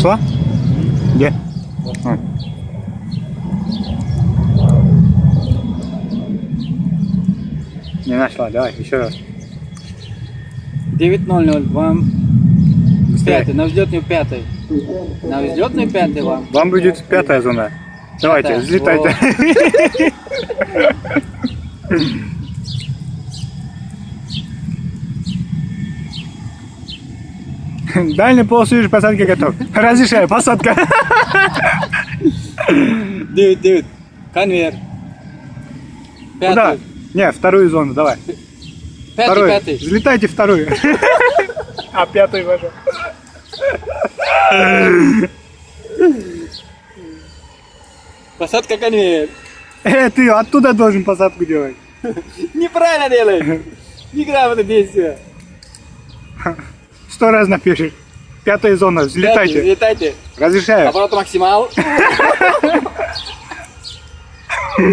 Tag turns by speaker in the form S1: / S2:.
S1: Нашла? Где? А. Не нашла, давай, еще раз.
S2: 9:00 вам.
S1: Быстрее.
S2: Пятый, на взлетную пятый. На взлетную пятый вам.
S1: Вам будет 5-я зона. Давайте,
S2: Пятая.
S1: взлетайте. Дальний полосу посадки готов. Разрешаю, посадка.
S2: 9. Конвейер.
S1: Куда?
S2: Пятый.
S1: Не, вторую зону, давай. Вторую.
S2: Пятый.
S1: Взлетайте вторую. А 5-й вожу.
S2: Посадка конвейер.
S1: Ты оттуда должен посадку делать.
S2: Неправильно делаешь. Неграмотно действие.
S1: 100 раз напишешь. 5-я зона,
S2: Пятый,
S1: взлетайте.
S2: взлетайте.
S1: Разрешаю.
S2: Оборот максимал.